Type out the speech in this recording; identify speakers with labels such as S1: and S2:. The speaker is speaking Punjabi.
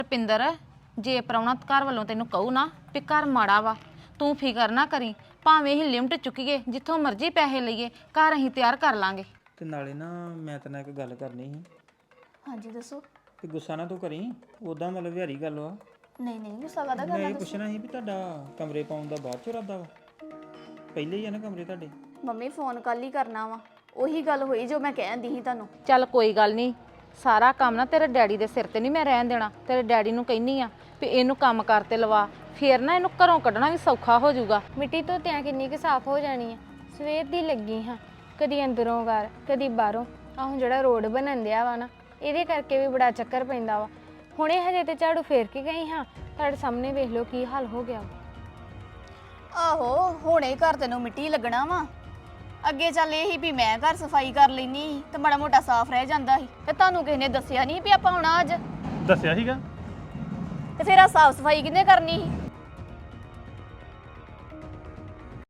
S1: ਰਪਿੰਦਰ ਜੇ ਪ੍ਰਾਹੁਣਾ ਘਰ ਵੱਲੋਂ ਤੈਨੂੰ ਕਹੂ ਨਾ ਵੀ ਘਰ ਮਾੜਾ ਵਾ ਤੂੰ ਫਿਕਰ ਨਾ ਕਰੀ ਭਾਵੇਂ ਅਸੀਂ ਲਿਮਟ ਚੁੱਕੀਏ ਜਿੱਥੋਂ ਮਰਜ਼ੀ ਪੈਸੇ ਲਈਏ ਘਰ ਅਸੀਂ ਤਿਆਰ ਕਰ ਲਾਂਗੇ।
S2: ਤੇ ਨਾਲੇ ਨਾ ਮੈਂ ਤੇਰੇ ਨਾਲ ਇੱਕ ਗੱਲ ਕਰਨੀ ਸੀ।
S3: ਹਾਂਜੀ ਦੱਸੋ।
S2: ਕਿ ਗੁੱਸਾ ਨਾ ਤੂੰ ਕਰੀ, ਉਦਾਂ ਮਤਲਬ ਵਿਹਾਰੀ ਗੱਲ ਵਾ।
S3: ਨਹੀਂ ਨਹੀਂ ਗੁੱਸਾ ਕਾਹਦਾ
S2: ਮੈਂ
S3: ਕਰਨਾ
S2: ਇਹ ਪੁੱਛਣਾ ਸੀ ਵੀ ਤੁਹਾਡਾ ਕਮਰੇ ਪਾਉਣ ਦਾ ਬਾਅਦ ਚ ਇਰਾਦਾ ਵਾ? ਪਹਿਲੇ ਹੀ ਆ ਨਾ ਕਮਰੇ ਤੁਹਾਡੇ?
S3: ਮੰਮੀ ਫੋਨ ਕੱਲ ਹੀ ਕਰਨਾ ਵਾ, ਉਹੀ ਗੱਲ ਹੋਈ ਜੋ ਮੈਂ ਕਹਿੰਦੀ ਸੀ ਤੁਹਾਨੂੰ।
S1: ਚੱਲ ਕੋਈ ਗੱਲ ਨਹੀਂ, ਸਾਰਾ ਕੰਮ ਨਾ ਤੇਰੇ ਡੈਡੀ ਦੇ ਸਿਰ ਤੇ ਨਹੀਂ ਮੈਂ ਰਹਿਣ ਦੇਣਾ। ਤੇਰੇ ਡੈਡੀ ਨੂੰ ਕਹਿਨੀ ਆ ਵੀ ਇਹਨੂੰ ਕੰਮ ਕਰਤੇ ਲਵਾ, ਫੇਰ ਨਾ ਇਹਨੂੰ ਘਰੋਂ ਕੱਢਣਾ ਵੀ ਸੌਖਾ ਹੋ ਜਾਊਗਾ।
S4: ਮਿੱਟੀ ਤੋਂ ਤਿਆਂ ਕਿੰਨੀ ਕੁ ਸਾਫ਼ ਹੋ ਜਾਣੀ ਆ। ਸਵੇਰ ਦੀ ਲੱਗੀ ਹਾਂ, ਕਦੀ ਅੰਦਰੋਂ ਘਰ ਕਦੀ ਬਾਹਰੋਂ। ਆਹ ਹੁਣ ਜਿਹੜਾ ਰੋਡ ਬਣਨ ਦਿਆ ਵਾ ਨਾ, ਇਹਦੇ ਕਰਕੇ ਵੀ ਬੜਾ ਚੱਕਰ ਪੈਂਦਾ ਵਾ। ਹੁਣੇ ਹਜੇ ਤੇ ਝਾੜੂ ਫੇਰ ਕੇ ਗਈ ਹਾਂ, ਤੁਹਾਡੇ ਸਾਹਮਣੇ ਵੇਖ ਲਓ ਕੀ ਹਾਲ ਹੋ ਗਿਆ।
S3: ਆਹੋ ਹੁਣੇ ਘਰ ਤੈਨੂੰ ਮਿੱਟੀ ਲੱਗਣਾ ਵਾ, ਅੱਗੇ ਚੱਲ ਇਹ ਹੀ ਵੀ ਮੈਂ ਘਰ ਸਫਾਈ ਕਰ ਲੈਣੀ ਤੇ ਬੜਾ ਮੋਟਾ ਸਾਫ਼ ਰਹਿ ਜਾਂਦਾ ਸੀ। ਤੇ ਤੁਹਾਨੂੰ ਕਿਸੇ ਨੇ ਦੱਸਿਆ ਨਹੀਂ ਵੀ ਆਪਾਂ ਆਉਣਾ ਅੱਜ?
S5: ਦੱਸਿਆ ਸੀਗਾ।
S3: ਤੇ ਫਿਰ ਆ ਸਾਫ਼ ਸਫਾਈ ਕਿਹਨੇ ਕਰਨੀ ਸੀ?